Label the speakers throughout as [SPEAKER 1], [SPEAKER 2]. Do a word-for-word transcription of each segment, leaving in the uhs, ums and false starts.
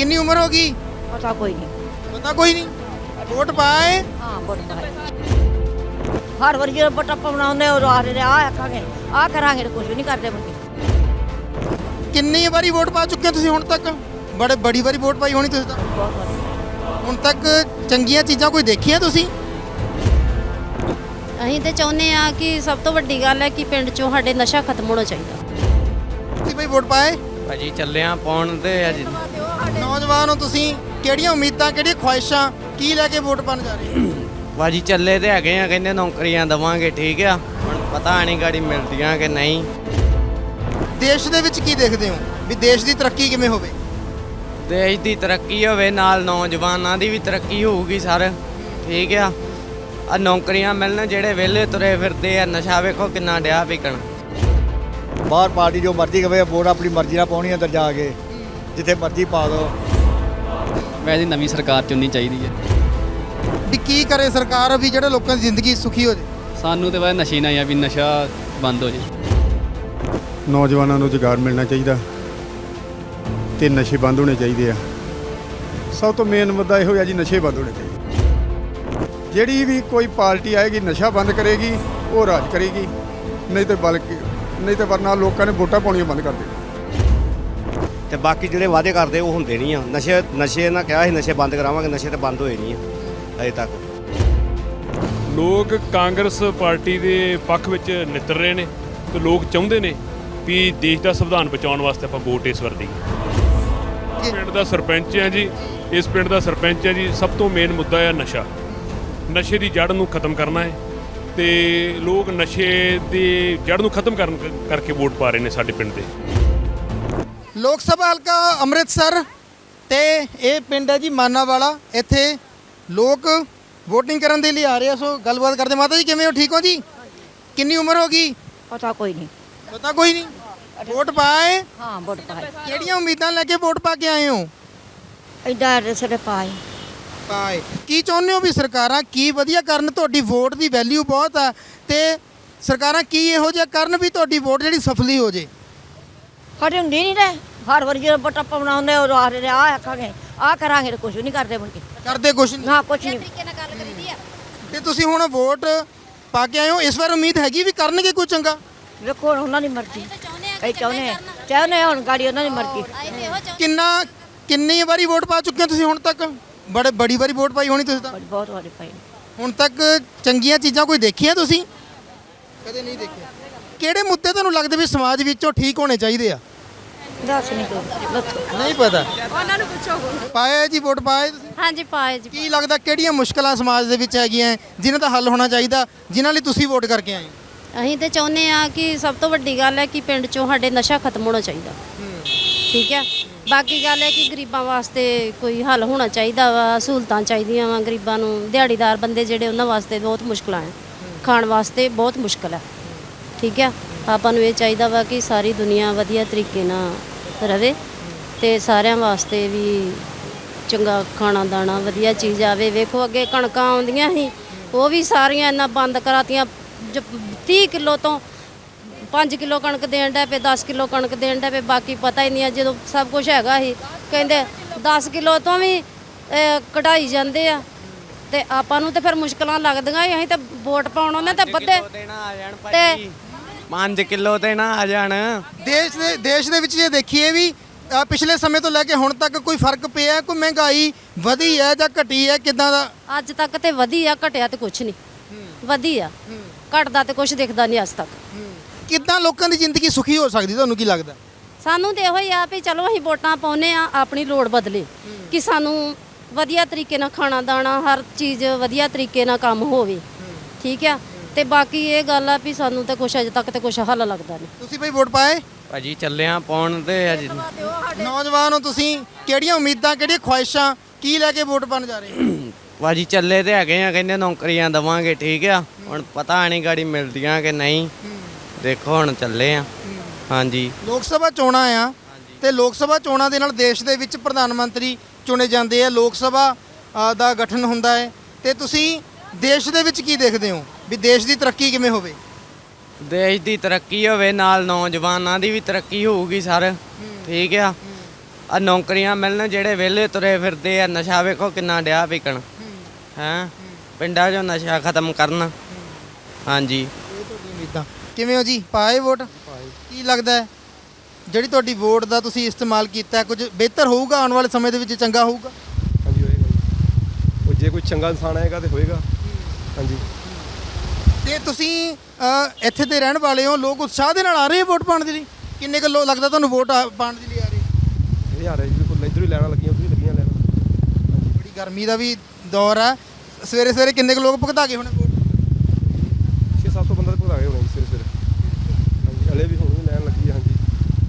[SPEAKER 1] कितनी उम्र होगी?
[SPEAKER 2] पता कोई नहीं।
[SPEAKER 1] पता कोई नहीं। वोट पाए?
[SPEAKER 2] हाँ वोट पाए। हर बार जो वोट पाने और आ रहे आ आखांगे आ करांगे कुछ नहीं करते बल्कि
[SPEAKER 1] कितनी बारी वोट पा चुके हो तुसीं हुण तक? बड़े बड़ी बारी वोट पाई होनी तुसीं तां।
[SPEAKER 2] बहुत बार
[SPEAKER 1] हुण तक चंगीਆਂ ਚੀਜ਼ਾਂ ਕੋਈ ਦੇਖੀਆਂ ਤੁਸੀਂ?
[SPEAKER 3] ਅਸੀਂ ਤੇ ਚਾਹੁੰਦੇ ਆ ਕਿ ਸਭ ਤੋਂ ਵੱਡੀ ਗੱਲ ਹੈ ਕਿ ਪਿੰਡ ਚੋਂ ਸਾਡੇ ਨਸ਼ਾ ਖਤਮ ਹੋਣਾ ਚਾਹੀਦਾ।
[SPEAKER 1] ਤੁਸੀਂ ਬਈ ਵੋਟ ਪਾਏ?
[SPEAKER 4] ਭਾਜੀ ਚੱਲੇ ਆ ਪਾਉਣ ਤੇ ਅੱਜ
[SPEAKER 1] ਨੌਜਵਾਨ ਹੋ ਤੁਸੀਂ, ਕਿਹੜੀਆਂ ਉਮੀਦਾਂ ਕਿਹੜੀਆਂ ਖੁਆਇਸ਼ਾਂ ਕੀ ਲੈ ਕੇ ਵੋਟ ਪਾਉਣ ਜਾ ਰਹੇ ਹੋ?
[SPEAKER 4] ਭਾਜੀ ਚੱਲੇ ਤੇ ਹੈਗੇ ਆ, ਕਹਿੰਦੇ ਨੌਕਰੀਆਂ ਦੇਵਾਂਗੇ, ਠੀਕ ਆ, ਹੁਣ ਪਤਾ ਨਹੀਂ ਗਾੜੀ ਮਿਲਦੀਆਂ ਕਿ ਨਹੀਂ।
[SPEAKER 1] ਦੇਸ਼ ਦੇ ਵਿੱਚ ਕੀ ਦੇਖਦੇ ਹੋ ਵੀ ਦੇਸ਼ ਦੀ ਤਰੱਕੀ ਕਿਵੇਂ ਹੋਵੇ?
[SPEAKER 4] ਦੇਸ਼ ਦੀ ਤਰੱਕੀ ਹੋਵੇ ਨਾਲ ਨੌਜਵਾਨਾਂ ਦੀ ਵੀ ਤਰੱਕੀ ਹੋਊਗੀ ਸਰ, ਠੀਕ ਆ। ਆ ਨੌਕਰੀਆਂ ਮਿਲਣ, ਜਿਹੜੇ ਵਿਹਲੇ ਤੁਰੇ ਫਿਰਦੇ ਆ, ਨਸ਼ਾ ਵੇਖੋ ਕਿੰਨਾ ਡਿਆ ਵਿਕਣ।
[SPEAKER 5] ਬਾਹਰ ਪਾਰਟੀ ਜੋ ਮਰਜ਼ੀ ਕਵੇ, ਵੋਟ ਆਪਣੀ ਮਰਜ਼ੀ ਨਾਲ ਪਾਉਣੀ ਅੰਦਰ ਜਾ ਕੇ, ਜਿੱਥੇ ਮਰਜ਼ੀ ਪਾ ਦਿਓ।
[SPEAKER 6] ਵੈਸੇ ਨਵੀਂ ਸਰਕਾਰ ਚੁਣਨੀ ਚਾਹੀਦੀ ਹੈ।
[SPEAKER 1] ਵੀ ਕੀ ਕਰੇ ਸਰਕਾਰ ਵੀ ਜਿਹੜੇ ਲੋਕਾਂ ਦੀ ਜ਼ਿੰਦਗੀ ਸੁਖੀ ਹੋ ਜਾਏ?
[SPEAKER 6] ਸਾਨੂੰ ਤੇ ਵੈਸੇ ਨਸ਼ੇ ਨਾ ਆ ਵੀ ਨਸ਼ਾ ਬੰਦ ਹੋ ਜੇ।
[SPEAKER 7] ਨੌਜਵਾਨਾਂ ਨੂੰ ਰੁਜ਼ਗਾਰ ਮਿਲਣਾ ਚਾਹੀਦਾ ਤੇ ਨਸ਼ੇ ਬੰਦ ਹੋਣੇ ਚਾਹੀਦੇ ਆ। ਸਭ ਤੋਂ ਮੇਨ ਮੁੱਦਾ ਇਹੋ ਹੈ ਜੀ, ਨਸ਼ੇ ਬੰਦ ਹੋਣੇ ਚਾਹੀਦੇ। ਜਿਹੜੀ ਵੀ ਕੋਈ ਪਾਰਟੀ ਆਏਗੀ ਨਸ਼ਾ ਬੰਦ ਕਰੇਗੀ, ਉਹ ਰਾਜ ਕਰੇਗੀ, ਨਹੀਂ ਤੇ ਬਲਕਿ ਨਹੀਂ ਤੇ ਵਰਨਾ ਲੋਕਾਂ ਨੇ ਵੋਟਾਂ ਪਾਉਣੀਆਂ ਬੰਦ ਕਰ ਦੇਣੀਆਂ।
[SPEAKER 5] ਤੇ ਬਾਕੀ ਜਿਹੜੇ ਵਾਅਦੇ ਕਰਦੇ ਉਹ ਹੁੰਦੇ ਨਹੀਂ ਆ। ਨਸ਼ੇ ਨਸ਼ੇ ਨਾ ਕਿਹਾ ਸੀ ਨਸ਼ੇ ਬੰਦ ਕਰਾਵਾਂਗੇ, ਨਸ਼ੇ ਤੇ ਬੰਦ ਹੋਏ ਨਹੀਂ ਆ ਅਜੇ ਤੱਕ।
[SPEAKER 8] ਲੋਕ ਕਾਂਗਰਸ ਪਾਰਟੀ ਦੇ ਪੱਖ ਵਿੱਚ ਨਿੱਤਰ ਰਹੇ ਨੇ ਤੇ ਲੋਕ ਚਾਹੁੰਦੇ ਨੇ ਵੀ ਦੇਸ਼ ਦਾ ਸੰਵਿਧਾਨ ਬਚਾਉਣ ਵਾਸਤੇ ਆਪਾਂ ਵੋਟ ਇਸ ਵਾਰ ਦੇਈਏ। ਪਿੰਡ ਦਾ ਸਰਪੰਚ ਹੈ ਜੀ, ਇਸ ਪਿੰਡ ਦਾ ਸਰਪੰਚ ਹੈ ਜੀ। ਸਭ ਤੋਂ ਮੇਨ ਮੁੱਦਾ ਹੈ ਨਸ਼ਾ। ਨਸ਼ੇ ਦੀ ਜੜ ਨੂੰ ਖਤਮ ਕਰਨਾ ਹੈ ਤੇ ਲੋਕ ਨਸ਼ੇ ਦੀ ਜੜ ਨੂੰ ਖਤਮ ਕਰਨ ਕਰਕੇ ਵੋਟ ਪਾ ਰਹੇ ਨੇ ਸਾਡੇ ਪਿੰਡ ਦੇ।
[SPEAKER 1] ਲੋਕ ਸਭਾ ਹਲਕਾ ਅੰਮ੍ਰਿਤਸਰ ਤੇ ਇਹ ਪਿੰਡ ਹੈ ਜੀ ਮਾਨਾਵਾਲਾ। ਇੱਥੇ ਲੋਕ VOTING ਕਰਨ ਦੇ ਲਈ ਆ ਰਹੇ ਆ, ਸੋ ਗੱਲਬਾਤ ਕਰਦੇ। ਮਾਤਾ ਜੀ ਕਿਵੇਂ ਹੋ? ਠੀਕ ਹੋ ਜੀ? ਕਿੰਨੀ ਉਮਰ ਹੋ ਗਈ?
[SPEAKER 2] पता कोई नहीं।
[SPEAKER 1] ਪਤਾ ਕੋਈ ਨਹੀਂ। ਵੋਟ ਪਾਏ?
[SPEAKER 2] हाँ वोट पाए।
[SPEAKER 1] ਕਿਹੜੀਆਂ ਉਮੀਦਾਂ ਲੈ ਕੇ ਵੋਟ ਪਾ ਕੇ ਆਏ ਹੋ?
[SPEAKER 2] इधर सिर पाए।
[SPEAKER 1] ਪਾਏ। ਕੀ ਚਾਹੁੰਦੇ ਹੋ ਵੀ ਸਰਕਾਰਾਂ ਕੀ ਵਧੀਆ ਕਰਨ? ਤੁਹਾਡੀ ਵੋਟ ਦੀ ਵੈਲਿਊ ਬਹੁਤ ਆ ਤੇ ਸਰਕਾਰਾਂ ਕੀ ਇਹੋ ਜਿਹਾ ਕਰਨ ਵੀ ਤੁਹਾਡੀ ਵੋਟ ਜਿਹੜੀ ਸਫਲੀ ਹੋ ਜੇ?
[SPEAKER 2] हटे होंगे नहीं रहे हर बार जो वोट पाने और आ रहे आ आखांगे आ करांगे कुछ नहीं करते बल्कि
[SPEAKER 1] ਕਰਦੇ ਕੁਛ ਨਹੀਂ।
[SPEAKER 2] हाँ कुछ नहीं।
[SPEAKER 1] ਤੇ ਤੁਸੀਂ ਹੁਣ ਵੋਟ ਪਾ ਕੇ ਆਏ ਹੋ, ਇਸ ਵਾਰ ਉਮੀਦ ਹੈਗੀ ਵੀ ਕਰਨਗੇ ਕੋਈ ਚੰਗਾ?
[SPEAKER 2] देखो उन्होंने मर्जी ਅਸੀਂ ਚਾਹੁੰਦੇ ਹਾਂ ਚਾਹੁੰਦੇ ਹਾਂ ਹੁਣ ਗਾੜੀ ਉਹਨਾਂ ਦੀ ਮਰਜ਼ੀ।
[SPEAKER 1] ਕਿੰਨਾ ਕਿੰਨੀ ਵਾਰੀ ਵੋਟ ਪਾ ਚੁੱਕੇ ਹੋ ਤੁਸੀਂ ਹੁਣ ਤੱਕ? ਬੜੇ ਬੜੀ ਵਾਰੀ ਵੋਟ ਪਾਈ ਹੋਣੀ ਤੁਸੀਂ ਤਾਂ।
[SPEAKER 2] ਬੜੀ ਬਹੁਤ ਵਾਰੀ ਪਾਈ।
[SPEAKER 1] ਹੁਣ ਤੱਕ ਚੰਗੀਆਂ ਚੀਜ਼ਾਂ ਕੋਈ ਦੇਖੀਆਂ ਤੁਸੀਂ? ਕਦੇ ਨਹੀਂ ਦੇਖਿਆ। ਕਿਹੜੇ ਮੁੱਦੇ ਤੁਹਾਨੂੰ ਲੱਗਦੇ ਵੀ ਸਮਾਜ ਵਿੱਚੋਂ ਠੀਕ ਹੋਣੇ ਚਾਹੀਦੇ ਆ?
[SPEAKER 2] ਦੱਸ ਨਹੀਂ ਤੂੰ ਦੱਸੋ।
[SPEAKER 1] ਨਹੀਂ ਪਤਾ।
[SPEAKER 3] ਉਹਨਾਂ ਨੂੰ ਪੁੱਛੋ।
[SPEAKER 1] ਪਾਏ ਜੀ ਵੋਟ ਪਾਏ ਤੁਸੀਂ?
[SPEAKER 3] ਹਾਂਜੀ ਪਾਏ ਜੀ।
[SPEAKER 1] ਕੀ ਲੱਗਦਾ ਕਿਹੜੀਆਂ ਮੁਸ਼ਕਲਾਂ ਸਮਾਜ ਦੇ ਵਿੱਚ ਹੈਗੀਆਂ ਜਿਨ੍ਹਾਂ ਦਾ ਹੱਲ ਹੋਣਾ ਚਾਹੀਦਾ, ਜਿਨ੍ਹਾਂ ਲਈ ਤੁਸੀਂ ਵੋਟ ਕਰਕੇ ਆਏ ਹੋ?
[SPEAKER 3] ਅਸੀਂ ਤੇ ਚਾਹੁੰਦੇ ਆ ਕਿ ਸਭ ਤੋਂ ਵੱਡੀ ਗੱਲ ਹੈ ਕਿ ਪਿੰਡ ਚੋਂ ਸਾਡੇ ਨਸ਼ਾ ਖਤਮ ਹੋਣਾ ਚਾਹੀਦਾ, ਠੀਕ ਹੈ। ਬਾਕੀ ਗੱਲ ਹੈ ਕਿ ਗਰੀਬਾਂ ਵਾਸਤੇ ਕੋਈ ਹੱਲ ਹੋਣਾ ਚਾਹੀਦਾ ਵਾ, ਸਹੂਲਤਾਂ ਚਾਹੀਦੀਆਂ ਵਾ ਗਰੀਬਾਂ ਨੂੰ। ਦਿਹਾੜੀਦਾਰ ਬੰਦੇ ਜਿਹੜੇ ਉਹਨਾਂ ਵਾਸਤੇ ਬਹੁਤ ਮੁਸ਼ਕਲਾਂ ਹੈ, ਖਾਣ ਵਾਸਤੇ ਬਹੁਤ ਮੁਸ਼ਕਲ ਹੈ, ਠੀਕ ਹੈ। ਆਪਾਂ ਨੂੰ ਇਹ ਚਾਹੀਦਾ ਵਾ ਕਿ ਸਾਰੀ ਦੁਨੀਆ ਵਧੀਆ ਤਰੀਕੇ ਨਾਲ ਰਵੇ ਤੇ ਸਾਰਿਆਂ ਵਾਸਤੇ ਵੀ ਚੰਗਾ ਖਾਣਾ ਦਾਣਾ ਵਧੀਆ ਚੀਜ਼ ਆਵੇ। ਵੇਖੋ ਅੱਗੇ ਕਣਕਾਂ ਆਉਂਦੀਆਂ ਸੀ, ਉਹ ਵੀ ਸਾਰੀਆਂ ਇਹਨਾਂ ਬੰਦ ਕਰਾਤੀਆਂ। ਤੀਹ ਕਿਲੋ ਤੋਂ ਪੰਜ ਕਿਲੋ ਕਣਕ ਦੇਣ ਡੈ ਪਏ, ਦਸ ਕਿਲੋ ਕਣਕ ਦੇਣ ਡੈ ਪਏ। ਬਾਕੀ ਪਤਾ ਹੀ ਨਹੀਂ ਆ, ਜਦੋਂ ਸਭ ਕੁਝ ਹੈਗਾ ਸੀ ਕਹਿੰਦੇ ਦਸ ਕਿਲੋ ਤੋਂ ਵੀ ਕਢਾਈ ਜਾਂਦੇ ਆ ਤੇ ਆਪਾਂ ਨੂੰ ਤੇ ਫਿਰ ਮੁਸ਼ਕਲਾਂ ਲੱਗਦੀਆਂ। ਅਸੀਂ ਤਾਂ ਵੋਟ ਪਾਉਣ ਉਹਨੇ ਤਾਂ ਵੱਧੇ ਤੇ
[SPEAKER 4] ਪੰਜ ਕਿਲੋ ਤੇ ਨਾ ਆ ਜਾਣ।
[SPEAKER 1] ਦੇਸ਼ ਦੇ ਦੇਸ਼ ਦੇ ਵਿੱਚ ਜੇ ਦੇਖੀਏ ਵੀ ਅ, ਪਿਛਲੇ ਸਮੇਂ ਤੋਂ ਲੈ ਕੇ ਹੁਣ ਤੱਕ ਕੋਈ ਫਰਕ ਪਿਆ? ਕੋਈ ਮਹਿੰਗਾਈ ਵਧੀ ਹੈ ਜਾਂ ਘਟੀ ਹੈ? ਕਿੱਦਾਂ ਦਾ?
[SPEAKER 3] ਅੱਜ ਤੱਕ ਤੇ ਵਧੀ ਆ, ਘਟਿਆ ਤੇ ਕੁਛ ਨਹੀਂ। ਵਧੀ ਆ, ਘਟਦਾ ਤੇ ਕੁਛ ਦਿਖਦਾ ਨਹੀਂ ਅੱਜ ਤੱਕ।
[SPEAKER 1] ਕਿੱਦਾਂ ਲੋਕਾਂ ਦੀ ਜ਼ਿੰਦਗੀ ਸੁਖੀ ਹੋ ਸਕਦੀ, ਤੁਹਾਨੂੰ ਕੀ ਲੱਗਦਾ?
[SPEAKER 3] ਸਾਨੂੰ ਤੇ ਇਹੋ ਹੀ ਆ ਵੀ ਚਲੋ ਅਸੀਂ ਵੋਟਾਂ ਪਾਉਨੇ ਆ, ਆਪਣੀ ਲੋੜ ਬਦਲੇ ਕਿ ਸਾਨੂੰ ਵਧੀਆ ਤਰੀਕੇ ਨਾਲ ਖਾਣਾ ਦਾਣਾ ਹਰ ਚੀਜ਼ ਵਧੀਆ ਤਰੀਕੇ ਨਾਲ ਕੰਮ ਹੋਵੇ, ਠੀਕ ਆ। ਤੇ ਬਾਕੀ ਇਹ ਗੱਲ ਆ ਵੀ ਸਾਨੂੰ ਤੇ ਕੁਛ ਅਜੇ ਤੱਕ ਤੇ ਕੁਛ ਹੱਲ ਲੱਗਦਾ ਨਹੀਂ।
[SPEAKER 1] ਤੁਸੀਂ ਬਈ ਵੋਟ ਪਾਏ?
[SPEAKER 4] ਭਾਜੀ ਚੱਲੇ ਆ ਪਾਉਣ ਤੇ ਅੱਜ
[SPEAKER 1] ਨੌਜਵਾਨ ਹੋ ਤੁਸੀਂ, ਕਿਹੜੀਆਂ ਉਮੀਦਾਂ ਕਿਹੜੀਆਂ ਖੁਆਇਸ਼ਾਂ ਕੀ ਲੈ ਕੇ ਵੋਟ ਪਾਉਣ ਜਾ ਰਹੇ ਹੋ?
[SPEAKER 4] ਭਾਜੀ ਚੱਲੇ ਤੇ ਹੈਗੇ ਆ, ਕਹਿੰਦੇ ਨੌਕਰੀਆਂ ਦੇਵਾਂਗੇ, ਠੀਕ ਆ, ਹੁਣ ਪਤਾ ਨਹੀਂ ਗਾੜੀ ਮਿਲਦੀਆਂ ਕਿ ਨਹੀਂ। ਦੇਖੋ ਹੁਣ ਚੱਲੇ ਆ। ਹਾਂਜੀ
[SPEAKER 1] ਲੋਕ ਸਭਾ ਚੋਣਾਂ ਆ ਤੇ ਲੋਕ ਸਭਾ ਚੋਣਾਂ ਦੇ ਨਾਲ ਦੇਸ਼ ਦੇ ਵਿੱਚ ਪ੍ਰਧਾਨ ਮੰਤਰੀ ਚੁਣੇ ਜਾਂਦੇ ਆ, ਲੋਕ ਸਭਾ ਅ, ਦਾ ਗਠਨ ਹੁੰਦਾ ਹੈ ਤੇ ਤੁਸੀਂ ਦੇਸ਼ ਦੇ ਵਿੱਚ ਕੀ ਦੇਖਦੇ ਹੋ ਵੀ ਦੇਸ਼ ਦੀ ਤਰੱਕੀ ਕਿਵੇਂ ਹੋਵੇ?
[SPEAKER 4] ਦੇਸ਼ ਦੀ ਤਰੱਕੀ ਹੋਵੇ ਨਾਲ ਨੌਜਵਾਨਾਂ ਦੀ ਵੀ ਤਰੱਕੀ ਹੋਊਗੀ ਸਰ, ਠੀਕ ਆ। ਆ ਨੌਕਰੀਆਂ ਮਿਲਣ ਜਿਹੜੇ ਵਿਹਲੇ ਤੁਰੇ ਫਿਰਦੇ ਆ ਨਸ਼ਾ ਵੇਖੋ ਕਿੰਨਾ ਡਿਆ ਵਿਕਣ ਹੈਂ ਪਿੰਡਾਂ 'ਚੋਂ ਨਸ਼ਾ ਖਤਮ ਕਰਨ ਹਾਂਜੀ
[SPEAKER 1] ਇਹ ਤੁਹਾਡੀ ਉਮੀਦਾਂ ਕਿਵੇਂ ਹੋ ਜੀ ਪਾਏ ਵੋਟ ਕੀ ਲੱਗਦਾ ਹੈ ਜਿਹੜੀ ਤੁਹਾਡੀ ਵੋਟ ਦਾ ਤੁਸੀਂ ਇਸਤੇਮਾਲ ਕੀਤਾ ਕੁਝ ਬਿਹਤਰ ਹੋਊਗਾ ਆਉਣ ਵਾਲੇ ਸਮੇਂ ਦੇ ਵਿੱਚ ਚੰਗਾ ਹੋਊਗਾ
[SPEAKER 9] ਹਾਂਜੀ ਹੋਏਗਾ ਜੀ ਉਹ ਜੇ ਕੋਈ ਚੰਗਾ ਇਨਸਾਨ ਆਏਗਾ ਤੇ ਹੋਏਗਾ ਹਾਂਜੀ
[SPEAKER 1] ਤੇ ਤੁਸੀਂ ਅ, ਇੱਥੇ ਦੇ ਰਹਿਣ ਵਾਲੇ ਹੋ ਲੋਕ ਉਤਸ਼ਾਹ ਦੇ ਨਾਲ ਆ ਰਹੇ ਆ ਵੋਟ ਪਾਉਣ ਦੇ ਲਈ ਕਿੰਨੇ ਕੁ ਲੋਕ ਲੱਗਦਾ ਤੁਹਾਨੂੰ ਵੋਟ ਆ- ਪਾਉਣ ਦੇ ਲਈ ਆ ਰਹੇ
[SPEAKER 9] ਇਹ ਆ ਰਿਹਾ ਜੀ ਬਿਲਕੁਲ ਇੱਧਰੋਂ ਹੀ ਲੈਣਾ ਲੱਗੀਆਂ ਉੱਧਰੋਂ ਹੀ ਲੱਗੀਆਂ ਲੈਣਾ
[SPEAKER 1] ਬੜੀ ਗਰਮੀ ਦਾ ਵੀ ਦੌਰ ਹੈ ਸਵੇਰੇ ਸਵੇਰੇ ਕਿੰਨੇ ਕੁ ਲੋਕ ਭੁਗਤਾ ਗਏ ਹੋਣੇ ਵੋਟ
[SPEAKER 9] ਛੇ ਸੱਤ ਸੌ ਬੰਦਾ ਤੇ ਭੁਗਤਾ ਗਏ ਹੋਣੇ ਜੀ ਸਵੇਰੇ ਸਵੇਰੇ ਹਾਂਜੀ ਹਲੇ ਵੀ ਹੁਣ ਵੀ ਲੈਣ ਲੱਗੀ ਹੈ ਹਾਂਜੀ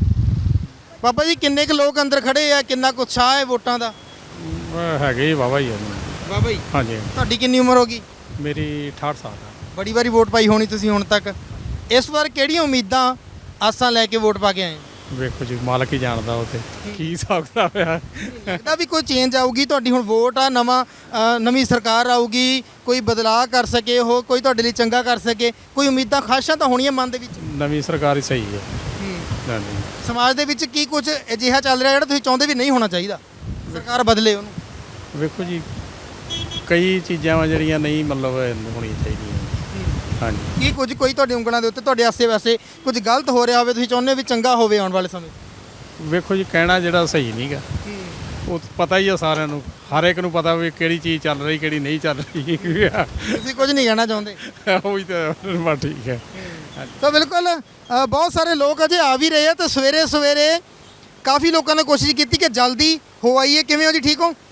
[SPEAKER 1] ਬਾਬਾ ਜੀ ਕਿੰਨੇ ਕੁ ਲੋਕ ਅੰਦਰ ਖੜੇ ਆ ਕਿੰਨਾ ਕੁ ਉਤਸ਼ਾਹ ਹੈ ਵੋਟਾਂ ਦਾ
[SPEAKER 7] ਹੈਗੇ ਜੀ ਵਾਹਵਾ ਹੀ ਆ
[SPEAKER 1] ਬਾਬਾ ਜੀ
[SPEAKER 7] ਹਾਂਜੀ
[SPEAKER 1] ਤੁਹਾਡੀ ਕਿੰਨੀ ਉਮਰ ਹੋ ਗਈ
[SPEAKER 7] ਮੇਰੀ ਅਠਾਹਠ ਸਾਲ ਆ
[SPEAKER 1] ਬੜੀ ਵਾਰੀ ਵੋਟ ਪਾਈ ਹੋਣੀ ਤੁਸੀਂ ਹੁਣ ਤੱਕ ਇਸ ਵਾਰ ਕਿਹੜੀਆਂ ਉਮੀਦਾਂ ਆਸਾਂ ਲੈ ਕੇ ਵੋਟ ਪਾ ਕੇ ਆਏ
[SPEAKER 7] ਵੇਖੋ ਜੀ ਮਾਲਕ ਹੀ ਜਾਣਦਾ ਉਹ ਤੇ ਕੀ ਹਿਸਾਬ ਕਿਤਾਬ ਹੋਇਆ
[SPEAKER 1] ਲੱਗਦਾ ਵੀ ਕੋਈ ਚੇਂਜ ਆਊਗੀ ਤੁਹਾਡੀ ਹੁਣ ਵੋਟ ਆ ਨਵਾਂ ਅ, ਨਵੀਂ ਸਰਕਾਰ ਆਊਗੀ ਕੋਈ ਬਦਲਾਅ ਕਰ ਸਕੇ ਉਹ ਕੋਈ ਤੁਹਾਡੇ ਲਈ ਚੰਗਾ ਕਰ ਸਕੇ ਕੋਈ ਉਮੀਦਾਂ ਖਾਸ਼ਾਂ ਤਾਂ ਹੋਣੀਆਂ ਮਨ ਦੇ ਵਿੱਚ
[SPEAKER 7] ਨਵੀਂ ਸਰਕਾਰ ਹੀ ਸਹੀ ਹੈ ਹਾਂਜੀ
[SPEAKER 1] ਸਮਾਜ ਦੇ ਵਿੱਚ ਕੀ ਕੁਝ ਅਜਿਹਾ ਚੱਲ ਰਿਹਾ ਜਿਹੜਾ ਤੁਸੀਂ ਚਾਹੁੰਦੇ ਵੀ ਨਹੀਂ ਹੋਣਾ ਚਾਹੀਦਾ ਸਰਕਾਰ ਬਦਲੇ ਉਹਨੂੰ
[SPEAKER 7] ਵੇਖੋ ਜੀ ਕਈ ਚੀਜ਼ਾਂ ਵਾ ਜਿਹੜੀਆਂ ਨਹੀਂ ਮਤਲਬ ਹੋਣੀਆਂ ਚਾਹੀਦੀਆਂ ਹਾਂਜੀ
[SPEAKER 1] ਕੀ ਕੁਝ ਕੋਈ ਤੁਹਾਡੀ ਉਂਗਲਾਂ ਦੇ ਉੱਤੇ ਤੁਹਾਡੇ ਆਸੇ ਪਾਸੇ ਕੁਝ ਗਲਤ ਹੋ ਰਿਹਾ ਹੋਵੇ ਤੁਸੀਂ ਚਾਹੁੰਦੇ ਹੋ ਵੀ ਚੰਗਾ ਹੋਵੇ ਆਉਣ ਵਾਲੇ ਸਮੇਂ
[SPEAKER 7] ਵੇਖੋ ਜੀ ਕਹਿਣਾ ਜਿਹੜਾ ਸਹੀ ਨਹੀਂਗਾ ਉਹ ਪਤਾ ਹੀ ਆ ਸਾਰਿਆਂ ਨੂੰ ਹਰ ਇੱਕ ਨੂੰ ਪਤਾ ਵੀ ਕਿਹੜੀ ਚੀਜ਼ ਚੱਲ ਰਹੀ ਕਿਹੜੀ ਨਹੀਂ ਚੱਲ ਰਹੀ
[SPEAKER 1] ਤੁਸੀਂ ਕੁਝ ਨਹੀਂ ਕਹਿਣਾ ਚਾਹੁੰਦੇ
[SPEAKER 7] ਉਹੀ ਤਾਂ ਬਸ ਠੀਕ ਹੈ
[SPEAKER 1] ਤਾਂ ਬਿਲਕੁਲ ਅ, ਬਹੁਤ ਸਾਰੇ ਲੋਕ ਅਜੇ ਆ ਵੀ ਰਹੇ ਆ ਤੇ ਸਵੇਰੇ ਸਵੇਰੇ ਕਾਫੀ ਲੋਕਾਂ ਨੇ ਕੋਸ਼ਿਸ਼ ਕੀਤੀ ਕਿ ਜਲਦੀ ਹੋ ਆਈਏ ਕਿਵੇਂ ਹੋ ਜੀ ਠੀਕ ਹੋ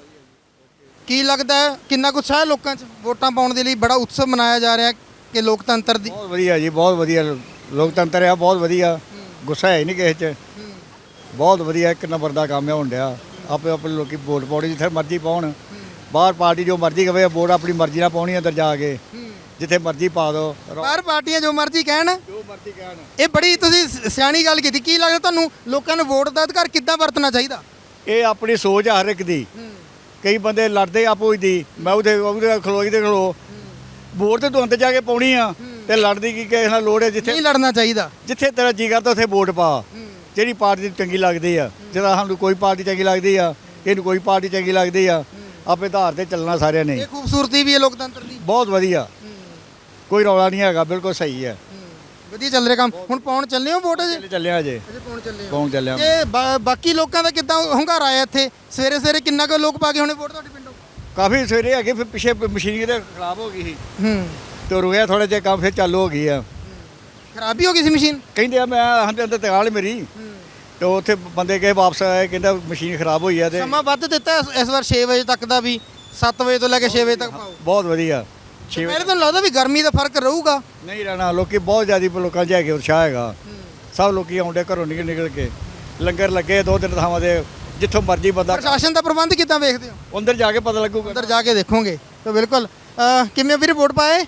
[SPEAKER 1] ਕੀ ਲੱਗਦਾ ਹੈ ਕਿੰਨਾ ਕੁ ਉਤਸ਼ਾਹ ਹੈ ਲੋਕਾਂ 'ਚ ਵੋਟਾਂ ਪਾਉਣ ਦੇ ਲਈ ਬੜਾ ਉਤਸਵ ਮਨਾਇਆ ਜਾ ਰਿਹਾ ਕਿ ਲੋਕਤੰਤਰ ਦੀ
[SPEAKER 5] ਬਹੁਤ ਵਧੀਆ ਜੀ ਬਹੁਤ ਵਧੀਆ ਲੋਕਤੰਤਰ ਆ ਬਹੁਤ ਵਧੀਆ ਗੁੱਸਾ ਹੈ ਹੀ ਨਹੀਂ ਕਿਸੇ 'ਚ ਬਹੁਤ ਵਧੀਆ ਇੱਕ ਨੰਬਰ ਦਾ ਕੰਮ ਹੈ ਹੋਣ ਡਿਆ ਆਪੇ ਆਪਣੇ ਲੋਕੀ ਵੋਟ ਪਾਉਣੀ ਜਿੱਥੇ ਮਰਜ਼ੀ ਪਾਉਣ ਬਾਹਰ ਪਾਰਟੀ ਜੋ ਮਰਜ਼ੀ ਕਵੇ ਵੋਟ ਆਪਣੀ ਮਰਜ਼ੀ ਨਾਲ ਪਾਉਣੀ ਅੰਦਰ ਜਾ ਕੇ ਜਿੱਥੇ ਮਰਜ਼ੀ ਪਾ ਦਿਓ
[SPEAKER 1] ਬਾਹਰ ਪਾਰਟੀਆਂ ਜੋ ਮਰਜ਼ੀ ਕਹਿਣ
[SPEAKER 5] ਜੋ ਮਰਜ਼ੀ ਕਹਿਣ
[SPEAKER 1] ਇਹ ਬੜੀ ਤੁਸੀਂ ਸ- ਸਿਆਣੀ ਗੱਲ ਕੀਤੀ ਕੀ ਲੱਗਦਾ ਤੁਹਾਨੂੰ ਲੋਕਾਂ ਨੂੰ ਵੋਟ ਦਾ ਅਧਿਕਾਰ ਕਿੱਦਾਂ ਵਰਤਣਾ ਚਾਹੀਦਾ
[SPEAKER 5] ਇਹ ਆਪਣੀ ਸੋਚ ਆ ਹਰ ਇੱਕ ਦੀ ਕਈ ਬੰਦੇ ਲੜਦੇ ਆਪੋ ਹੀ ਦੀ ਮੈਂ ਉਹਦੇ ਉਹਦੇ ਖਲੋਈ ਤੇ ਖਲੋ ਵੋਟ ਤੇ ਤੂੰ ਅੰਦਰ ਜਾ ਕੇ ਪਾਉਣੀ ਆ ਤੇ ਲੜਦੀ ਕੀ ਕਿਸੇ ਨਾਲ ਲੋੜ ਹੈ ਜਿੱਥੇ
[SPEAKER 1] ਨਹੀਂ ਲੜਨਾ ਚਾਹੀਦਾ
[SPEAKER 5] ਜਿੱਥੇ ਤੇਰਾ ਜੀ ਕਰਦਾ ਉੱਥੇ ਵੋਟ ਪਾ ਜਿਹੜੀ ਪਾਰਟੀ ਚੰਗੀ ਲੱਗਦੀ ਆ ਜਿਹੜਾ ਸਾਨੂੰ ਕੋਈ ਪਾਰਟੀ ਚੰਗੀ ਲੱਗਦੀ ਆ ਇਹਨੂੰ ਕੋਈ ਪਾਰਟੀ ਚੰਗੀ ਲੱਗਦੀ ਆ ਆਪੇ ਆਧਾਰ ਤੇ ਚੱਲਣਾ ਸਾਰਿਆਂ ਨੇ
[SPEAKER 1] ਇਹ ਖੂਬਸੂਰਤੀ ਵੀ ਹੈ ਲੋਕਤੰਤਰ ਦੀ
[SPEAKER 5] ਬਹੁਤ ਵਧੀਆ ਕੋਈ ਰੌਲਾ ਨਹੀਂ ਹੈਗਾ ਬਿਲਕੁਲ ਸਹੀ ਹੈ
[SPEAKER 1] ਵਧੀਆ ਚੱਲ ਰਿਹਾ ਕੰਮ ਹੁਣ ਪਾਉਣ ਚੱਲੇ ਹੋ ਵੋਟ ਅਜੇ
[SPEAKER 5] ਚੱਲੇ ਚੱਲਿਆ ਅਜੇ
[SPEAKER 1] ਅਜੇ ਪਾਉਣ ਚੱਲੇ ਹੋ
[SPEAKER 5] ਕੌਣ ਚੱਲਿਆ
[SPEAKER 1] ਤੇ ਬਾ- ਬਾਕੀ ਲੋਕਾਂ ਦਾ ਕਿੱਦਾਂ ਹੰਗਾਰਾ ਆਇਆ ਇੱਥੇ ਸਵੇਰੇ ਸਵੇਰੇ ਕਿੰਨਾ ਕੁ ਲੋਕ ਪਾ ਕੇ ਹੋਣੇ ਵੋਟ ਤੁਹਾਡੇ ਪਿੰਡੋਂ
[SPEAKER 5] ਕਾਫੀ ਸਵੇਰੇ ਹੈਗੇ ਫਿਰ ਪਿੱਛੇ ਮਸ਼ੀਨਰੀ ਤੇ ਖਰਾਬ ਹੋ ਗਈ ਸੀ
[SPEAKER 1] ਹੂੰ
[SPEAKER 5] ਤੇ ਰੁਕਿਆ ਥੋੜਾ ਜਿਹਾ ਕੰਮ ਫਿਰ ਚਾਲੂ ਹੋ ਗਈ ਆ
[SPEAKER 1] ਖਰਾਬੀ ਹੋ ਗਈ ਸੀ ਮਸ਼ੀਨ
[SPEAKER 5] ਕਹਿੰਦੇ ਆ ਮੈਂ ਹੰਦੇ ਅੰਦਰ ਤਗਾਲ ਮੇਰੀ ਤੇ ਉੱਥੇ ਬੰਦੇ ਕਹੇ ਵਾਪਸ ਆਏ ਕਹਿੰਦਾ ਮਸ਼ੀਨ ਖਰਾਬ ਹੋਈ ਆ ਤੇ
[SPEAKER 1] ਸਮਾਂ ਵੱਧ ਦਿੱਤਾ ਇਸ- ਇਸ ਵਾਰ ਛੇ ਵਜੇ ਤੱਕ ਦਾ ਵੀ ਸੱਤ ਵਜੇ ਤੋਂ ਲੈ ਕੇ ਛੇ ਵਜੇ ਤੱਕ ਪਾਓ
[SPEAKER 5] ਬਹੁਤ ਵਧੀਆ ਛੇ
[SPEAKER 1] ਪਹਿਲੇ ਤੁਹਾਨੂੰ ਲੱਗਦਾ ਵੀ ਗਰਮੀ ਦਾ ਫਰਕ ਰਹੂਗਾ
[SPEAKER 5] ਨਹੀਂ ਰਹਿਣਾ ਲੋਕੀ ਬਹੁਤ ਜ਼ਿਆਦਾ ਲੋਕਾਂ 'ਚ ਹੈਗੇ ਉਤਸ਼ਾਹ ਹੈਗਾ ਸਭ ਲੋਕੀ ਆਉਂਦੇ ਘਰੋਂ ਨਿਕਲ ਨਿਕਲ ਕੇ ਲੰਗਰ ਲੱਗੇ ਦੋ ਤਿੰਨ ਥਾਵਾਂ ਦੇ ਜਿੱਥੋਂ ਮਰਜ਼ੀ ਬੰਦਾ
[SPEAKER 1] ਪ੍ਰਸ਼ਾਸਨ ਦਾ ਪ੍ਰਬੰਧ ਕਿੱਦਾਂ ਵੇਖਦੇ ਹੋ
[SPEAKER 5] ਅੰਦਰ ਜਾ ਕੇ ਪਤਾ ਲੱਗੂਗਾ
[SPEAKER 1] ਅੰਦਰ ਜਾ ਕੇ ਦੇਖੋਗੇ ਤਾਂ ਬਿਲਕੁਲ ਅਹ ਕਿਵੇਂ ਵੀਰ ਵੋਟ ਪਾਏ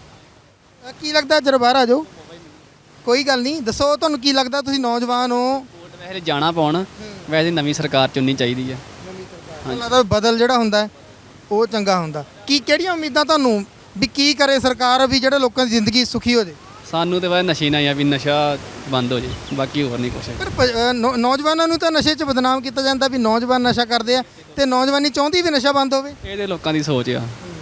[SPEAKER 1] ਅਹ ਕੀ ਲੱਗਦਾ ਜਰਾ ਬਾਹਰ ਆ ਜਾਓ ਕੋਈ ਗੱਲ ਨਹੀਂ ਦੱਸੋ ਤੁਹਾਨੂੰ ਕੀ ਲੱਗਦਾ ਤੁਸੀਂ ਨੌਜਵਾਨ ਹੋ
[SPEAKER 6] ਵੋਟ ਵੈਸੇ ਜਾਣਾ ਪਾਉਣ ਵੈਸੇ ਨਵੀਂ ਸਰਕਾਰ ਚੁਣਨੀ ਚਾਹੀਦੀ ਹੈ
[SPEAKER 1] ਤੁਹਾਨੂੰ ਲੱਗਦਾ ਵੀ ਬਦਲ ਜਿਹੜਾ ਹੁੰਦਾ ਹੈ, ਉਹ ਚੰਗਾ ਹੁੰਦਾ ਕੀ ਕਿਹੜੀਆਂ ਉਮੀਦਾਂ ਤੁਹਾਨੂੰ ਵੀ ਕੀ ਕਰੇ ਸਰਕਾਰ ਵੀ ਜਿਹੜੇ ਲੋਕਾਂ ਦੀ ਜ਼ਿੰਦਗੀ ਸੁਖੀ ਹੋ ਜੇ
[SPEAKER 6] ਸਾਨੂੰ ਤੇ ਵੈਸੇ ਨਸ਼ੇ ਨਾ ਆ ਵੀ ਨਸ਼ਾ ਬੰਦ ਹੋ ਜੇ ਬਾਕੀ ਹੋਰ ਨਹੀਂ ਕੁਛ
[SPEAKER 1] ਪਰ ਪ- ਅਹ ਨੌ- ਨੌਜਵਾਨਾਂ ਨੂੰ ਤਾਂ ਨਸ਼ੇ 'ਚ ਬਦਨਾਮ ਕੀਤਾ ਜਾਂਦਾ ਵੀ ਨੌਜਵਾਨ ਨਸ਼ਾ ਕਰਦੇ ਆ ਤੇ ਨੌਜਵਾਨੀ ਚਾਹੁੰਦੀ ਵੀ ਨਸ਼ਾ ਬੰਦ ਹੋਵੇ
[SPEAKER 6] ਇਹਦੇ ਲੋਕਾਂ ਦੀ ਸੋਚ ਆ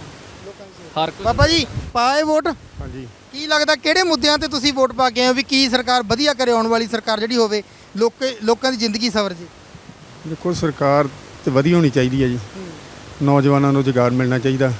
[SPEAKER 6] ਹਰ ਕੋਈ
[SPEAKER 1] ਬਾਬਾ ਜੀ ਪਾਏ ਵੋਟ
[SPEAKER 7] ਹਾਂਜੀ
[SPEAKER 1] ਕੀ ਲੱਗਦਾ ਕਿਹੜੇ ਮੁੱਦਿਆਂ ਤੇ ਤੁਸੀਂ ਵੋਟ ਪਾ ਕੇ ਆਏ ਹੋ ਵੀ ਕੀ ਸਰਕਾਰ ਵਧੀਆ ਕਰੇ ਆਉਣ ਵਾਲੀ ਸਰਕਾਰ ਜਿਹੜੀ ਹੋਵੇ ਲੋਕ ਲੋਕਾਂ ਦੀ ਜ਼ਿੰਦਗੀ ਸਵਰ ਜੇ
[SPEAKER 7] ਦੇਖੋ ਸਰਕਾਰ ਤੇ ਵਧੀਆ ਹੋਣੀ ਚਾਹੀਦੀ ਹੈ ਜੀ ਨੌਜਵਾਨਾਂ ਨੂੰ ਰੁਜ਼ਗਾਰ ਮਿਲਣਾ ਚਾਹੀਦਾ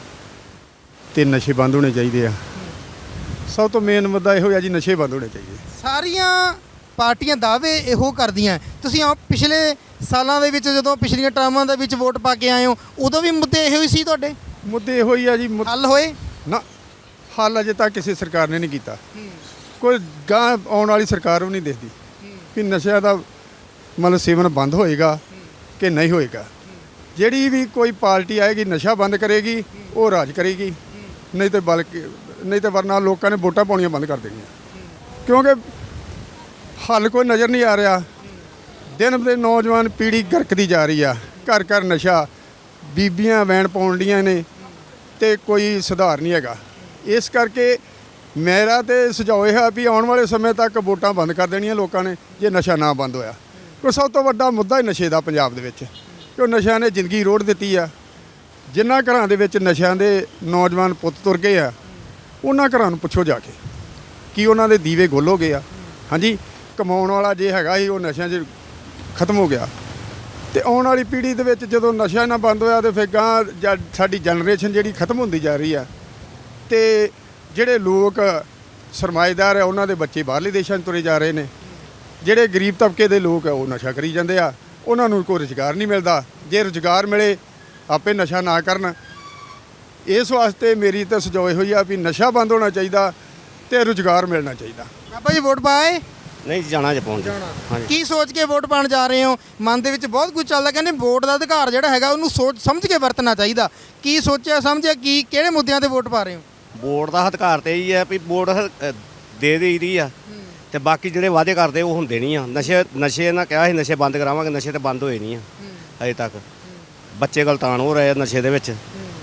[SPEAKER 7] ਤੇ ਨਸ਼ੇ ਬੰਦ ਹੋਣੇ ਚਾਹੀਦੇ ਆ ਸਭ ਤੋਂ ਮੇਨ ਮੁੱਦਾ ਇਹੋ ਹੈ ਜੀ ਨਸ਼ੇ ਬੰਦ ਹੋਣੇ ਚਾਹੀਦੇ
[SPEAKER 1] ਸਾਰੀਆਂ ਪਾਰਟੀਆਂ ਦਾਅਵੇ ਇਹੋ ਕਰਦੀਆਂ ਤੁਸੀਂ ਆ ਪਿਛਲੇ ਸਾਲਾਂ ਦੇ ਵਿੱਚ ਜਦੋਂ ਪਿਛਲੀਆਂ ਟਰਮਾਂ ਦੇ ਵਿੱਚ ਵੋਟ ਪਾ ਕੇ ਆਏ ਹੋ ਉਦੋਂ ਵੀ ਮੁੱਦੇ ਇਹੋ ਹੀ ਸੀ ਤੁਹਾਡੇ
[SPEAKER 7] ਮੁੱਦੇ ਇਹੋ ਹੀ ਆ ਜੀ ਮੁੱਦ-
[SPEAKER 1] ਹੱਲ ਹੋਏ
[SPEAKER 7] ਨਾ ਹੱਲ ਅਜੇ ਤੱਕ ਕਿਸੇ ਸਰਕਾਰ ਨੇ ਨਹੀਂ ਕੀਤਾ ਕੋਈ ਗਾਂ ਆਉਣ ਵਾਲੀ ਸਰਕਾਰ ਵੀ ਨਹੀਂ ਦੇਖਦੀ ਕਿ ਨਸ਼ਿਆਂ ਦਾ ਮਤਲਬ ਸੇਵਨ ਬੰਦ ਹੋਏਗਾ ਕਿ ਨਹੀਂ ਹੋਏਗਾ ਜਿਹੜੀ ਵੀ ਕੋਈ ਪਾਰਟੀ ਆਏਗੀ ਨਸ਼ਾ ਬੰਦ ਕਰੇਗੀ ਉਹ ਰਾਜ ਕਰੇਗੀ ਨਹੀਂ ਤੇ ਬਲਕਿ ਨਹੀਂ ਤੇ ਵਰਨਾ ਲੋਕਾਂ ਨੇ ਵੋਟਾਂ ਪਾਉਣੀਆਂ ਬੰਦ ਕਰ ਦੇਣੀਆਂ ਕਿਉਂਕਿ ਹੱਲ ਕੋਈ ਨਜ਼ਰ ਨਹੀਂ ਆ ਰਿਹਾ ਦਿਨ ਦੇ ਨੌਜਵਾਨ ਪੀੜ੍ਹੀ ਗਰਕਦੀ ਜਾ ਰਹੀ ਆ ਘਰ ਘਰ ਨਸ਼ਾ ਬੀਬੀਆਂ ਵੈਣ ਪਾਉਣ ਡੀਆਂ ਨੇ ਤੇ ਕੋਈ ਸੁਧਾਰ ਨਹੀਂ ਹੈਗਾ ਇਸ ਕਰਕੇ ਮੇਰਾ ਤੇ ਸੁਝਾਅ ਇਹ ਹੈ ਵੀ ਆਉਣ ਵਾਲੇ ਸਮੇਂ ਤੱਕ ਵੋਟਾਂ ਬੰਦ ਕਰ ਦੇਣੀਆਂ ਲੋਕਾਂ ਨੇ ਜੇ ਨਸ਼ਾ ਨਾ ਬੰਦ ਹੋਇਆ ਕੋਈ ਸਭ ਤੋਂ ਵੱਡਾ ਮੁੱਦਾ ਹੀ ਨਸ਼ੇ ਦਾ ਪੰਜਾਬ ਦੇ ਵਿੱਚ, ਕਿ ਨਸ਼ਿਆਂ ਨੇ ਜ਼ਿੰਦਗੀ ਰੋੜ ਦਿੱਤੀ ਆ। ਜਿਨ੍ਹਾਂ ਘਰਾਂ ਦੇ ਵਿੱਚ ਨਸ਼ਿਆਂ ਦੇ ਨੌਜਵਾਨ ਪੁੱਤ ਤੁਰ ਗਏ ਆ, ਉਹਨਾਂ ਘਰਾਂ ਨੂੰ ਪੁੱਛੋ ਜਾ ਕੇ ਕੀ ਉਹਨਾਂ ਦੇ ਦੀਵੇ ਗੁੱਲ ਹੋ ਗਏ ਆ। ਹਾਂਜੀ, ਕਮਾਉਣ ਵਾਲਾ ਜੇ ਹੈਗਾ ਸੀ ਉਹ ਨਸ਼ਿਆਂ 'ਚ ਖਤਮ ਹੋ ਗਿਆ। ਤੇ ਆਉਣ ਵਾਲੀ ਪੀੜ੍ਹੀ ਦੇ ਵਿੱਚ ਜਦੋਂ ਨਸ਼ਾ ਨਾ ਬੰਦ ਹੋਇਆ ਤੇ ਫਿਰ ਗਾਂ ਜਾਂ ਸਾਡੀ ਜਨਰੇਸ਼ਨ ਜਿਹੜੀ ਖਤਮ ਹੁੰਦੀ ਜਾ ਰਹੀ ਆ। ਤੇ ਜਿਹੜੇ ਲੋਕ ਸਰਮਾਏਦਾਰ ਆ ਉਹਨਾਂ ਦੇ ਬੱਚੇ ਬਾਹਰਲੇ ਦੇਸ਼ਾਂ 'ਚ ਤੁਰੇ ਜਾ ਰਹੇ ਨੇ। ਜਿਹੜੇ ਗਰੀਬ ਤਬਕੇ ਦੇ ਲੋਕ ਆ ਉਹ ਨਸ਼ਾ ਕਰੀ ਜਾਂਦੇ ਆ, ਉਹਨਾਂ ਨੂੰ ਕੋਈ ਰੁਜ਼ਗਾਰ ਨਹੀਂ ਮਿਲਦਾ। ਜੇ ਰੁਜ਼ਗਾਰ ਮਿਲੇ ਆਪੇ ਨਸ਼ਾ ਨਾ ਕਰਨ। ਇਸ ਵਾਸਤੇ ਮੇਰੀ ਤਾਂ ਸੁਝਾਅ ਹੋਈ ਆ ਵੀ ਨਸ਼ਾ ਬੰਦ ਹੋਣਾ ਚਾਹੀਦਾ ਤੇ ਰੁਜ਼ਗਾਰ ਮਿਲਣਾ ਚਾਹੀਦਾ।
[SPEAKER 1] ਬਾਬਾ ਜੀ ਵੋਟ ਪਾਏ?
[SPEAKER 10] ਨਹੀਂ ਜਾਣਾ ਜੇ ਪਹੁੰਚ ਹਾਂਜੀ।
[SPEAKER 1] ਕੀ ਸੋਚ ਕੇ ਵੋਟ ਪਾਉਣ ਜਾ ਰਹੇ ਹੋ? ਮਨ ਦੇ ਵਿੱਚ ਬਹੁਤ ਕੁਝ ਚੱਲਦਾ, ਕਹਿੰਦੇ ਵੋਟ ਦਾ ਅਧਿਕਾਰ ਜਿਹੜਾ ਹੈਗਾ ਉਹਨੂੰ ਸੋਚ ਸਮਝ ਕੇ ਵਰਤਣਾ ਚਾਹੀਦਾ। ਕੀ ਸੋਚਿਆ ਸਮਝਿਆ, ਕੀ ਕਿਹੜੇ ਮੁੱਦਿਆਂ ਤੇ ਵੋਟ ਪਾ ਰਹੇ ਹੋ?
[SPEAKER 10] ਵੋਟ ਦਾ ਅਧਿਕਾਰ ਤੇ ਇਹੀ ਹੈ ਵੀ ਵੋਟ ਦੇ ਦੇਈਦੀ ਆ ਤੇ ਬਾਕੀ ਜਿਹੜੇ ਵਾਅਦੇ ਕਰਦੇ ਉਹ ਹੁੰਦੇ ਨਹੀਂ ਆ। ਨਸ਼ੇ ਨਸ਼ੇ ਨਾਲ ਕਿਹਾ ਸੀ ਨਸ਼ੇ ਬੰਦ ਕਰਾਵਾਂਗੇ, ਨਸ਼ੇ ਤੇ ਬੰਦ ਹੋਏ ਨਹੀਂ ਆ ਅਜੇ ਤੱਕ। ਬੱਚੇ ਗਲਤਾਨ ਹੋ ਰਹੇ ਆ ਨਸ਼ੇ ਦੇ ਵਿੱਚ।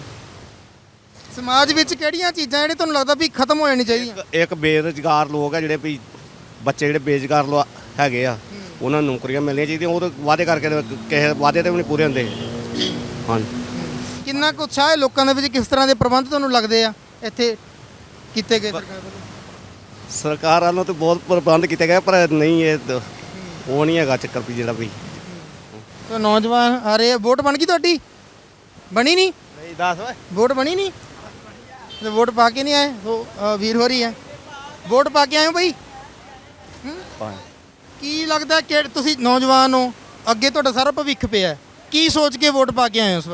[SPEAKER 1] ਸਮਾਜ ਵਿੱਚ ਕਿਹੜੀਆਂ ਚੀਜ਼ਾਂ ਜਿਹੜੇ ਤੁਹਾਨੂੰ ਲੱਗਦਾ ਵੀ ਖਤਮ ਹੋ ਜਾਣੀ ਚਾਹੀਦੀਆਂ?
[SPEAKER 10] ਇੱਕ ਬੇਰੁਜ਼ਗਾਰ ਲੋਕ ਆ ਜਿਹੜੇ ਵੀ ਬੱਚੇ ਜਿਹੜੇ ਬੇਰੁਜ਼ਗਾਰ ਲੋ ਹੈਗੇ ਆ, ਉਹਨਾਂ ਨੂੰ ਨੌਕਰੀਆਂ ਮਿਲਣੀਆਂ ਚਾਹੀਦੀਆਂ। ਉਹ ਤਾਂ ਵਾਅਦੇ ਕਰਕੇ ਕਿਸੇ ਵਾਅਦੇ ਤੇ ਵੀ ਨਹੀਂ ਪੂਰੇ ਹੁੰਦੇ। ਹਾਂਜੀ,
[SPEAKER 1] ਕਿੰਨਾ ਕੁ ਉਤਸ਼ਾਹ ਹੈ ਲੋਕਾਂ ਦੇ ਵਿੱਚ? ਕਿਸ ਤਰ੍ਹਾਂ ਦੇ ਪ੍ਰਬੰਧ ਤੁਹਾਨੂੰ ਲੱਗਦੇ ਆ ਇੱਥੇ ਕੀਤੇ ਗਏ ਸਰਕਾਰ ਵੱਲੋਂ?
[SPEAKER 10] ਸਰਕਾਰ ਵੱਲੋਂ ਤਾਂ ਬਹੁਤ ਪ੍ਰਬੰਧ ਕੀਤੇ ਗਏ ਪਰ ਨਹੀਂ ਇਹ ਦ- ਉਹ ਨਹੀਂ ਹੈਗਾ ਚੱਕਰ ਵੀ ਜਿਹੜਾ ਵੀ।
[SPEAKER 1] ਤਾਂ ਨੌਜਵਾਨ ਆ ਰਹੇ ਆ। ਵੋਟ ਬਣ ਗਈ ਤੁਹਾਡੀ? ਬਣੀ ਨਹੀਂ?
[SPEAKER 10] ਨਹੀਂ ਦੱਸ ਓਏ।
[SPEAKER 1] ਵੋਟ ਬਣੀ ਨਹੀਂ ਤੇ ਵੋਟ ਪਾ ਕੇ ਨਹੀਂ ਆਏ? ਉਹ ਅ, ਵੀਰ ਹੋ ਰਹੀ ਹੈ। ਵੋਟ ਪਾ ਕੇ ਆਏ ਹੋ ਬਈ? ਹੂੰ? ਕੀ ਲੱਗਦਾ ਕਿ ਤੁਸੀਂ ਨੌਜਵਾਨ ਹੋ, ਅੱਗੇ ਤੁਹਾਡਾ ਸਾਰਾ ਭਵਿੱਖ ਪਿਆ, ਕੀ ਸੋਚ ਕੇ ਵੋਟ ਪਾ ਕੇ ਆਏ ਹੋ ਇਸ ਵਾਰ?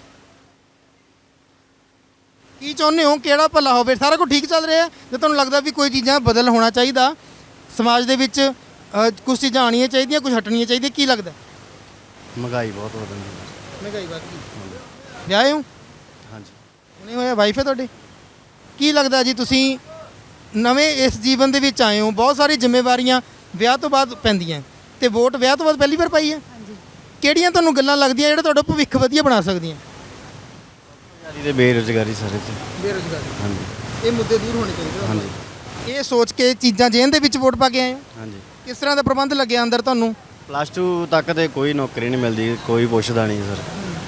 [SPEAKER 1] ਕੀ ਚਾਹੁੰਦੇ ਹੋ ਕਿਹੜਾ ਭਲਾ ਹੋਵੇ? ਸਾਰਾ ਕੁਝ ਠੀਕ ਚੱਲ ਰਿਹਾ ਜੇ ਤੁਹਾਨੂੰ ਲੱਗਦਾ ਵੀ ਕੋਈ ਚੀਜ਼ਾਂ ਬਦਲ ਹੋਣਾ ਚਾਹੀਦਾ ਸਮਾਜ ਦੇ ਵਿੱਚ, ਕੁਝ ਚੀਜ਼ਾਂ ਆਉਣੀਆਂ ਚਾਹੀਦੀਆਂ, ਕੁਝ ਹਟਣੀਆਂ ਚਾਹੀਦੀਆਂ, ਕੀ ਲੱਗਦਾ?
[SPEAKER 10] ਮਹਿੰਗਾਈ ਬਹੁਤ ਹੋ ਰਹੀ ਹੈ।
[SPEAKER 1] ਮਹਿੰਗਾਈ ਵੱਧ ਗਈ। ਵਿਆਹੇ ਹੋ?
[SPEAKER 10] ਹਾਂਜੀ।
[SPEAKER 1] ਨਹੀਂ ਹੋਇਆ? ਵਾਈਫ ਹੈ ਤੁਹਾਡੀ? ਕੀ ਲੱਗਦਾ ਜੀ ਤੁਸੀਂ ਨਵੇਂ ਇਸ ਜੀਵਨ ਦੇ ਵਿੱਚ ਆਏ ਹੋ, ਬਹੁਤ ਸਾਰੀ ਜ਼ਿੰਮੇਵਾਰੀਆਂ ਵਿਆਹ ਤੋਂ ਬਾਅਦ ਪੈਂਦੀਆਂ ਤੇ ਵੋਟ ਵਿਆਹ ਤੋਂ ਬਾਅਦ ਪਹਿਲੀ ਵਾਰ ਪਾਈ ਹੈ? ਹਾਂਜੀ। ਕਿਹੜੀਆਂ ਤੁਹਾਨੂੰ ਗੱਲਾਂ ਲੱਗਦੀਆਂ ਜਿਹੜਾ ਤੁਹਾਡਾ ਭਵਿੱਖ ਵਧੀਆ ਬਣਾ ਸਕਦੀਆਂ?
[SPEAKER 10] ਤੇ ਬੇਰੁਜ਼ਗਾਰੀ ਸਾਰੇ ਤੇ।
[SPEAKER 1] ਬੇਰੁਜ਼ਗਾਰੀ।
[SPEAKER 10] ਹਾਂਜੀ।
[SPEAKER 1] ਇਹ ਮੁੱਦੇ ਦੂਰ ਹੋਣੇ ਚਾਹੀਦੇ।
[SPEAKER 10] ਹਾਂਜੀ।
[SPEAKER 1] ਇਹ ਸੋਚ ਕੇ ਚੀਜ਼ਾਂ ਜੇਨ ਦੇ ਵਿੱਚ ਵੋਟ ਪਾ ਕੇ ਆਏ ਹੋ?
[SPEAKER 10] ਹਾਂਜੀ।
[SPEAKER 1] ਕਿਸ ਤਰ੍ਹਾਂ ਦਾ ਪ੍ਰਬੰਧ ਲੱਗਿਆ ਅੰਦਰ ਤੁਹਾਨੂੰ?
[SPEAKER 10] ਪਲੱਸ ਟੂ ਤੱਕ ਤੇ ਕੋਈ ਨੌਕਰੀ ਨਹੀਂ ਮਿਲਦੀ, ਕੋਈ ਪੁੱਛਦਾ ਨਹੀਂ ਸਰ।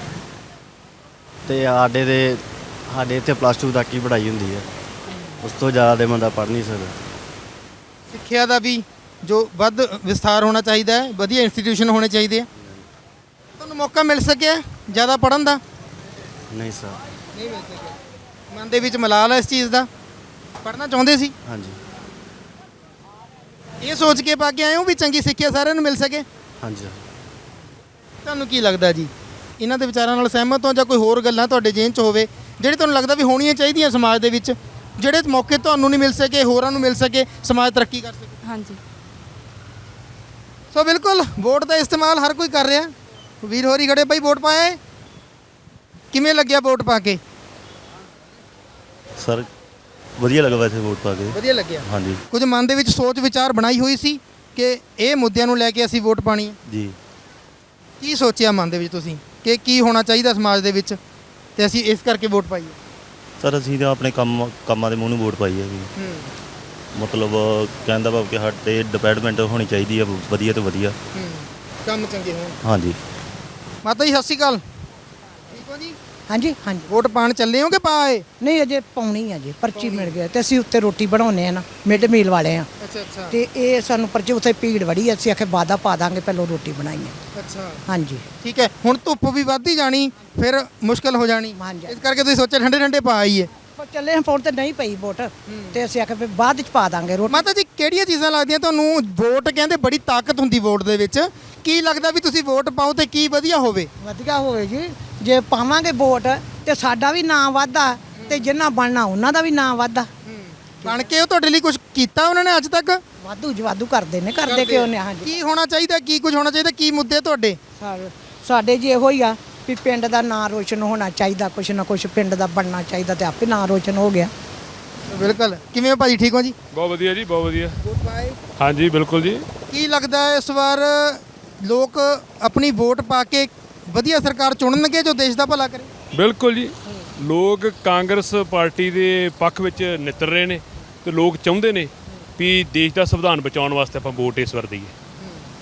[SPEAKER 10] ਤੇ ਸਾਡੇ ਦੇ ਸਾਡੇ ਇੱਥੇ ਪਲੱਸ ਟੂ ਤੱਕ ਹੀ ਪੜ੍ਹਾਈ ਹੁੰਦੀ ਹੈ, ਉਸ ਤੋਂ ਜ਼ਿਆਦਾ ਤੇ ਬੰਦਾ ਪੜ੍ਹ ਨਹੀਂ ਸਕਦਾ।
[SPEAKER 1] ਸਿੱਖਿਆ ਦਾ ਵੀ ਜੋ ਵੱਧ ਵਿਸਥਾਰ ਹੋਣਾ ਚਾਹੀਦਾ ਹੈ, ਵਧੀਆ ਇੰਸਟੀਟਿਊਸ਼ਨ ਹੋਣੇ ਚਾਹੀਦੇ ਆ। ਤੁਹਾਨੂੰ ਮੌਕਾ ਮਿਲ ਸਕਿਆ ਜ਼ਿਆਦਾ ਪੜ੍ਹਨ ਦਾ?
[SPEAKER 10] ਨਹੀਂ ਸਰ।
[SPEAKER 1] ਨਹੀਂ ਮਿਲ ਸਕਿਆ। ਮਨ ਦੇ ਵਿੱਚ ਮਲਾਲ ਹੈ ਇਸ ਚੀਜ਼ ਦਾ? ਪੜ੍ਹਨਾ ਚਾਹੁੰਦੇ ਸੀ?
[SPEAKER 10] ਹਾਂਜੀ।
[SPEAKER 1] ਇਹ ਸੋਚ ਕੇ ਪਾ ਕੇ ਆਏ ਹੋ ਵੀ ਚੰਗੀ ਸਿੱਖਿਆ ਸਾਰਿਆਂ ਨੂੰ ਮਿਲ ਸਕੇ?
[SPEAKER 10] ਹਾਂਜੀ।
[SPEAKER 1] ਤੁਹਾਨੂੰ ਕੀ ਲੱਗਦਾ ਜੀ, ਇਹਨਾਂ ਦੇ ਵਿਚਾਰਾਂ ਨਾਲ ਸਹਿਮਤ ਹੋ ਜਾਂ ਕੋਈ ਹੋਰ ਗੱਲਾਂ ਤੁਹਾਡੇ ਜੇਨ 'ਚ ਹੋਵੇ ਜਿਹੜੇ ਤੁਹਾਨੂੰ ਲੱਗਦਾ ਵੀ ਹੋਣੀਆਂ ਚਾਹੀਦੀਆਂ ਸਮਾਜ ਦੇ ਵਿੱਚ, ਜਿਹੜੇ ਮੌਕੇ ਤੁਹਾਨੂੰ ਨਹੀਂ ਮਿਲ ਸਕੇ ਹੋਰਾਂ ਨੂੰ ਮਿਲ ਸਕੇ, ਸਮਾਜ ਤਰੱਕੀ ਕਰ ਸਕੇ?
[SPEAKER 3] ਹਾਂਜੀ।
[SPEAKER 1] ਸੋ ਬਿਲਕੁਲ ਵੋਟ ਦਾ ਇਸਤੇਮਾਲ ਹਰ ਕੋਈ ਕਰ ਰਿਹਾ। ਵੀਰ ਹੋਰੀ ਖੜੇ ਬਾਈ, ਵੋਟ ਪਾਏ? ਕਿਵੇਂ ਲੱਗਿਆ ਵੋਟ ਪਾ ਕੇ?
[SPEAKER 11] ਸਰ ਵਧੀਆ ਲੱਗਾ ਵੈਸੇ ਵੋਟ ਪਾ ਕੇ।
[SPEAKER 1] ਵਧੀਆ ਲੱਗਿਆ।
[SPEAKER 11] ਹਾਂਜੀ।
[SPEAKER 1] ਕੁਝ ਮਨ ਦੇ ਵਿੱਚ ਸੋਚ ਵਿਚਾਰ ਬਣਾਈ ਹੋਈ ਸੀ ਕਿ ਇਹ ਮੁੱਦਿਆਂ ਨੂੰ ਲੈ ਕੇ ਅਸੀਂ ਵੋਟ ਪਾਣੀ ਹੈ?
[SPEAKER 11] ਜੀ।
[SPEAKER 1] ਕੀ ਸੋਚਿਆ ਮਨ ਦੇ ਵਿੱਚ ਤੁਸੀਂ ਕਿ ਕੀ ਹੋਣਾ ਚਾਹੀਦਾ ਸਮਾਜ ਦੇ ਵਿੱਚ ਤੇ ਅਸੀਂ ਇਸ ਕਰਕੇ ਵੋਟ ਪਾਈਏ?
[SPEAKER 11] ਸਰ ਅਸੀਂ ਤਾਂ ਆਪਣੇ ਕੰਮ ਕੰਮਾਂ ਦੇ ਮੂੰਹ ਨੂੰ ਵੋਟ ਪਾਈ ਹੈ ਜੀ।
[SPEAKER 1] ਹੂੰ।
[SPEAKER 11] ਮਤਲਬ ਕਹਿੰਦਾ ਭਾਵ ਕਿ ਸਾਡੇ ਡਿਪਾਰਟਮੈਂਟ ਹੋਣੀ ਚਾਹੀਦੀ ਹੈ ਵਧੀਆ ਤੋਂ ਵਧੀਆ।
[SPEAKER 1] ਹੂੰ। ਕੰਮ ਚੰਗੇ ਹੋਣ।
[SPEAKER 11] ਹਾਂਜੀ।
[SPEAKER 1] ਮਾਤਾ ਜੀ ਸਤਿ ਸ਼੍ਰੀ ਅਕਾਲ। ਠੀਕ ਹੋ ਜੀ?
[SPEAKER 12] ਹਾਂਜੀ ਹਾਂਜੀ।
[SPEAKER 1] ਵੋਟ ਪਾਣ ਚੱਲੇ ਹੋ ਕਿ ਪਾਏ?
[SPEAKER 12] ਨਹੀਂ ਅਜੇ ਪਾਉਣੀ ਆ ਜੀ, ਪਰਚੀ ਮਿਲ ਗਿਆ ਤੇ ਅਸੀਂ ਉੱਤੇ ਰੋਟੀ ਬਣਾਉਂਦੇ ਆ ਨਾ, ਮਿਡ ਮੀਲ ਵਾਲੇ ਆ।
[SPEAKER 1] ਅੱਛਾ ਅੱਛਾ।
[SPEAKER 12] ਤੇ ਇਹ ਸਾਨੂੰ ਪਰਚੀ ਉੱਥੇ ਭੀੜ ਵੜੀ, ਅਸੀਂ ਆਖੇ ਬਾਦਾ ਪਾ ਦਾਂਗੇ, ਪਹਿਲਾਂ ਰੋਟੀ ਬਣਾਈਏ।
[SPEAKER 1] ਅੱਛਾ।
[SPEAKER 12] ਹਾਂਜੀ।
[SPEAKER 1] ਠੀਕ ਹੈ, ਹੁਣ ਧੁੱਪ ਵੀ ਵੱਧਦੀ ਜਾਣੀ, ਫਿਰ ਮੁਸ਼ਕਲ ਹੋ ਜਾਣੀ,
[SPEAKER 12] ਹਾਂਜੀ।
[SPEAKER 1] ਇਸ ਕਰਕੇ ਤੁਸੀਂ ਸੋਚਿਆ ਠੰਡੇ ਠੰਡੇ ਪਾ ਆਈਏ।
[SPEAKER 12] ਪਰ ਚੱਲੇ ਹਾਂ ਫੋਨ ਤੇ ਨਹੀਂ ਪਈ ਵੋਟ ਤੇ ਅਸੀਂ ਆਖੇ ਫਿਰ ਬਾਅਦ ਚ ਪਾ ਦਾਂਗੇ ਰੋਟੀ।
[SPEAKER 1] ਮਾਤਾ ਜੀ ਕਿਹੜੀਆਂ ਚੀਜ਼ਾਂ ਲੱਗਦੀਆਂ ਤੁਹਾਨੂੰ? ਵੋਟ ਕਹਿੰਦੇ ਬੜੀ ਤਾਕਤ ਹੁੰਦੀ ਵੋਟ ਦੇ ਵਿੱਚ, ਕੀ ਲੱਗਦਾ ਵੀ ਤੁਸੀਂ ਵੋਟ ਪਾਓ ਤੇ ਕੀ ਵਧੀਆ ਹੋਵੇ?
[SPEAKER 12] ਵਧੀਆ ਹੋਵੇ ਜੀ, ਜੇ ਪਾਵਾਂਗੇ ਵੋਟ ਤੇ ਸਾਡਾ ਵੀ ਨਾਂ ਵਾਧਾ ਤੇ ਜਿੰਨਾ ਬਣਨਾ ਉਹਨਾਂ ਦਾ ਵੀ ਨਾਂ ਵਾਧਾ।
[SPEAKER 1] ਬਣ ਕੇ ਉਹ ਤੁਹਾਡੇ ਲਈ ਕੁਝ ਕੀਤਾ ਉਹਨਾਂ ਨੇ ਅੱਜ ਤੱਕ?
[SPEAKER 12] ਵਾਧੂ ਜਵਾਦੂ ਕਰਦੇ ਨੇ, ਕਰਦੇ ਕਿਉਂ ਨੇ? ਹਾਂਜੀ।
[SPEAKER 1] ਕੀ ਹੋਣਾ ਚਾਹੀਦਾ, ਕੀ ਕੁਝ ਹੋਣਾ ਚਾਹੀਦਾ, ਕੀ ਮੁੱਦੇ ਤੁਹਾਡੇ?
[SPEAKER 12] ਸਾਡੇ ਜੀ ਇਹੋ ਹੀ ਆ ਵੀ ਪਿੰਡ ਦਾ ਨਾਂ ਰੋਸ਼ਨ ਹੋਣਾ ਚਾਹੀਦਾ, ਕੁਛ ਨਾ ਕੁਛ ਪਿੰਡ ਦਾ ਬਣਨਾ ਚਾਹੀਦਾ ਤੇ ਆਪੇ ਨਾਂ ਰੋਸ਼ਨ ਹੋ ਗਿਆ।
[SPEAKER 1] ਬਿਲਕੁਲ। ਕਿਵੇਂ ਹੋ ਭਾਜੀ, ਠੀਕ ਹੋ ਜੀ?
[SPEAKER 8] ਬਹੁਤ ਵਧੀਆ ਜੀ, ਬਹੁਤ ਵਧੀਆ।
[SPEAKER 1] ਵੋਟ ਪਾਏ?
[SPEAKER 8] ਹਾਂਜੀ ਬਿਲਕੁਲ ਜੀ।
[SPEAKER 1] ਕੀ ਲੱਗਦਾ ਹੈ ਇਸ ਵਾਰ ਲੋਕ ਆਪਣੀ ਵੋਟ ਪਾ ਕੇ ਵਧੀਆ ਸਰਕਾਰ ਚੁਣਨਗੇ ਜੋ ਦੇਸ਼ ਦਾ ਭਲਾ ਕਰੇ?
[SPEAKER 8] ਬਿਲਕੁਲ ਜੀ। ਲੋਕ ਕਾਂਗਰਸ ਪਾਰਟੀ ਦੇ ਪੱਖ ਵਿੱਚ ਨਿੱਤਰ ਰਹੇ ਨੇ ਤੇ ਲੋਕ ਚਾਹੁੰਦੇ ਨੇ ਵੀ ਦੇਸ਼ ਦਾ ਸੰਵਿਧਾਨ ਬਚਾਉਣ ਵਾਸਤੇ ਆਪਾਂ ਵੋਟ ਇਸ ਵਾਰ ਦਈਏ।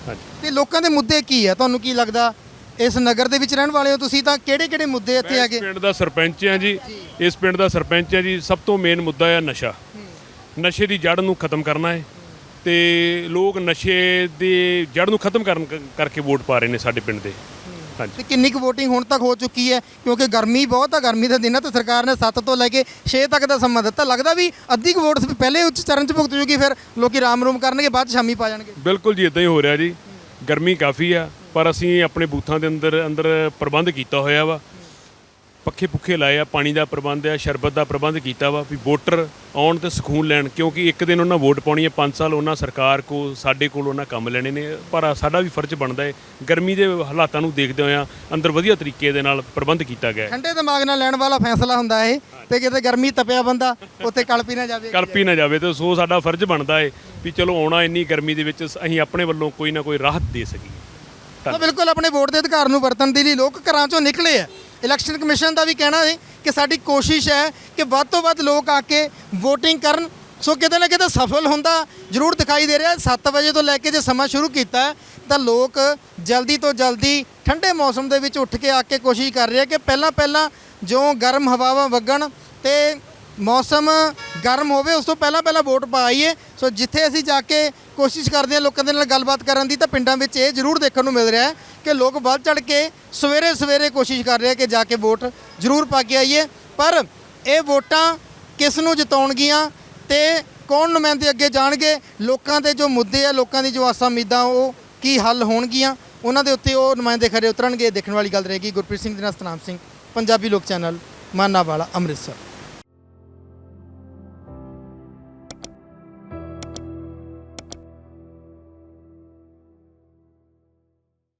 [SPEAKER 8] ਹਾਂਜੀ
[SPEAKER 1] ਤੇ ਲੋਕਾਂ ਦੇ ਮੁੱਦੇ ਕੀ ਆ ਤੁਹਾਨੂੰ ਕੀ ਲੱਗਦਾ ਇਸ ਨਗਰ ਦੇ ਵਿੱਚ ਰਹਿਣ ਵਾਲੇ ਹੋ ਤੁਸੀਂ ਤਾਂ ਕਿਹੜੇ ਕਿਹੜੇ ਮੁੱਦੇ ਇੱਥੇ ਆ
[SPEAKER 8] ਇਸ
[SPEAKER 1] ਗਏ
[SPEAKER 8] ਪਿੰਡ ਦਾ ਸਰਪੰਚ ਆ ਜੀ ਇਸ ਪਿੰਡ ਦਾ ਸਰਪੰਚ ਆ ਜੀ ਸਭ ਤੋਂ ਮੇਨ ਮੁੱਦਾ ਆ ਨਸ਼ਾ ਨਸ਼ੇ ਦੀ ਜੜ ਨੂੰ ਖਤਮ ਕਰਨਾ ਹੈ ਤੇ ਲੋਕ ਨਸ਼ੇ ਦੀ ਜੜ ਨੂੰ ਖਤਮ ਕਰਨ ਕਰਕੇ ਵੋਟ ਪਾ ਰਹੇ ਨੇ ਸਾਡੇ ਪਿੰਡ ਦੇ ਹਾਂਜੀ
[SPEAKER 1] ਤੇ ਕਿੰਨੀ ਕੁ VOTING ਹੁਣ ਤੱਕ ਹੋ ਚੁੱਕੀ ਹੈ ਕਿਉਂਕਿ ਗਰਮੀ ਬਹੁਤ ਆ ਗਰਮੀ ਦੇ ਦਿਨਾਂ ਤੇ ਸਰਕਾਰ ਨੇ ਸੱਤ ਤੋਂ ਲੈ ਕੇ ਛੇ ਤੱਕ ਦਾ ਸਮਾਂ ਦਿੱਤਾ ਲੱਗਦਾ ਵੀ ਅੱਧੀ ਕੁ ਵੋਟ ਪਹਿਲੇ ਉੱਚ ਚਰਨ 'ਚ ਭੁਗਤ ਜੂਗੀ ਫਿਰ ਲੋਕੀ ਰਾਮ ਰੂਮ ਕਰਨਗੇ ਬਾਅਦ 'ਚ ਸ਼ਾਮੀ ਪਾ ਜਾਣਗੇ
[SPEAKER 8] ਬਿਲਕੁਲ ਜੀ ਇਦਾਂ ਹੀ ਹੋ ਰਿਹਾ ਜੀ ਗਰਮੀ ਕਾਫੀ ਆ ਪਰ ਅਸੀਂ ਆਪਣੇ ਬੂਥਾਂ ਦੇ ਅੰਦਰ ਅੰਦਰ ਪ੍ਰਬੰਧ ਕੀਤਾ ਹੋਇਆ ਵਾ ਪੱਖੇ ਪੁੱਖੇ ਲਾਏ ਆ ਪਾਣੀ ਦਾ ਪ੍ਰਬੰਧ ਆ ਸ਼ਰਬਤ ਦਾ ਪ੍ਰਬੰਧ ਕੀਤਾ ਵਾ ਵੀ ਵੋਟਰ ਆਉਣ ਤੇ ਸਕੂਨ ਲੈਣ ਕਿਉਂਕਿ ਇੱਕ ਦਿਨ ਉਹਨਾਂ ਵੋਟ ਪਾਉਣੀ ਹੈ ਪੰਜ ਸਾਲ ਉਹਨਾਂ ਸਰਕਾਰ ਕੋਲ ਸਾਡੇ ਕੋਲ ਉਹਨਾਂ ਕੰਮ ਲੈਣੇ ਨੇ ਪਰ ਸਾਡਾ ਵੀ ਫਰਜ਼ ਬਣਦਾ ਹੈ ਗਰਮੀ ਦੇ ਹਾਲਾਤਾਂ ਨੂੰ ਦੇਖਦੇ ਹੋਇਆ ਅੰਦਰ ਵਧੀਆ ਤਰੀਕੇ ਦੇ ਨਾਲ ਪ੍ਰਬੰਧ ਕੀਤਾ ਗਿਆ ਹੈ
[SPEAKER 1] ਠੰਡੇ ਦਿਮਾਗ ਨਾਲ ਲੈਣ ਵਾਲਾ ਫੈਸਲਾ ਹੁੰਦਾ ਇਹ ਤੇ ਕਿਤੇ ਗਰਮੀ ਤਪਿਆ ਬੰਦਾ ਉੱਥੇ ਕਲਪੀ ਨਾ ਜਾਵੇ
[SPEAKER 8] ਕਲਪੀ ਨਾ ਜਾਵੇ ਤੇ ਸੋ ਸਾਡਾ ਫਰਜ਼ ਬਣਦਾ ਹੈ ਵੀ ਚਲੋ ਆਉਣਾ ਇੰਨੀ ਗਰਮੀ ਦੇ ਵਿੱਚ ਅਸੀਂ ਆਪਣੇ ਵੱਲੋਂ ਕੋਈ ਨਾ ਕੋਈ ਰਾਹਤ ਦੇ ਸਕੀਏ
[SPEAKER 1] ਤਾਂ ਬਿਲਕੁਲ ਆਪਣੇ ਵੋਟ ਦੇ ਅਧਿਕਾਰ ਨੂੰ ਵਰਤਣ ਦੇ ਲਈ ਲੋਕ ਘਰਾਂ ਚੋਂ ਨਿਕਲੇ ਆ ਇਲੈਕਸ਼ਨ ਕਮਿਸ਼ਨ ਦਾ ਵੀ ਕਹਿਣਾ ਹੈ ਕਿ ਸਾਡੀ ਕੋਸ਼ਿਸ਼ ਹੈ ਕਿ ਵੱਧ ਤੋਂ ਵੱਧ ਲੋਕ ਆ ਕੇ VOTING ਕਰਨ ਸੋ ਕਿਤੇ ਨਾ ਕਿਤੇ ਸਫਲ ਹੁੰਦਾ ਜ਼ਰੂਰ ਦਿਖਾਈ ਦੇ ਰਿਹਾ ਸੱਤ ਵਜੇ ਤੋਂ ਲੈ ਕੇ ਜੇ ਸਮਾਂ ਸ਼ੁਰੂ ਕੀਤਾ ਤਾਂ ਲੋਕ ਜਲਦੀ ਤੋਂ ਜਲਦੀ ਠੰਡੇ ਮੌਸਮ ਦੇ ਵਿੱਚ ਉੱਠ ਕੇ ਆ ਕੇ ਕੋਸ਼ਿਸ਼ ਕਰ ਰਹੇ ਕਿ ਪਹਿਲਾਂ ਪਹਿਲਾਂ ਜੋ ਗਰਮ ਹਵਾਵਾਂ ਵਗਣ ਤੇ ਮੌਸਮ ਗਰਮ ਹੋਵੇ ਉਸ ਤੋਂ ਪਹਿਲਾਂ ਪਹਿਲਾਂ ਵੋਟ ਪਾਈਏ ਸੋ ਜਿੱਥੇ ਅਸੀਂ ਜਾ ਕੇ ਕੋਸ਼ਿਸ਼ ਕਰਦੇ ਹਾਂ ਲੋਕਾਂ ਦੇ ਨਾਲ ਗੱਲਬਾਤ ਕਰਨ ਦੀ ਤਾਂ ਪਿੰਡਾਂ ਵਿੱਚ ਇਹ ਜ਼ਰੂਰ ਦੇਖਣ ਨੂੰ ਮਿਲ ਰਿਹਾ ਹੈ ਕਿ ਲੋਕ ਵੱਧ ਚੜ ਕੇ ਸਵੇਰੇ ਸਵੇਰੇ ਕੋਸ਼ਿਸ਼ ਕਰ ਰਹੇ ਕਿ ਜਾ ਕੇ ਵੋਟ ਜ਼ਰੂਰ ਪਾ ਕੇ ਆਈਏ ਪਰ ਇਹ ਵੋਟਾਂ ਕਿਸ ਨੂੰ ਜਿਤਾਉਣਗੀਆਂ ਤੇ ਕੌਣ ਨੁਮਾਇੰਦੇ ਅੱਗੇ ਜਾਣਗੇ ਲੋਕਾਂ ਦੇ ਜੋ ਮੁੱਦੇ ਆ ਲੋਕਾਂ ਦੀ ਜੋ ਆਸਾਂ ਉਮੀਦਾਂ ਉਹ ਕੀ ਹੱਲ ਹੋਣਗੀਆਂ ਉਹਨਾਂ ਦੇ ਉੱਤੇ ਉਹ ਨੁਮਾਇੰਦੇ ਖਰੇ ਉਤਰਨਗੇ ਦੇਖਣ ਵਾਲੀ ਗੱਲ ਰਹੇਗੀ ਗੁਰਪ੍ਰੀਤ ਸਿੰਘ ਦੇ ਨਾਲ ਸਤਨਾਮ ਸਿੰਘ ਪੰਜਾਬੀ ਲੋਕ ਚੈਨਲ ਮਾਨਾਵਾਲਾ ਅੰਮ੍ਰਿਤਸਰ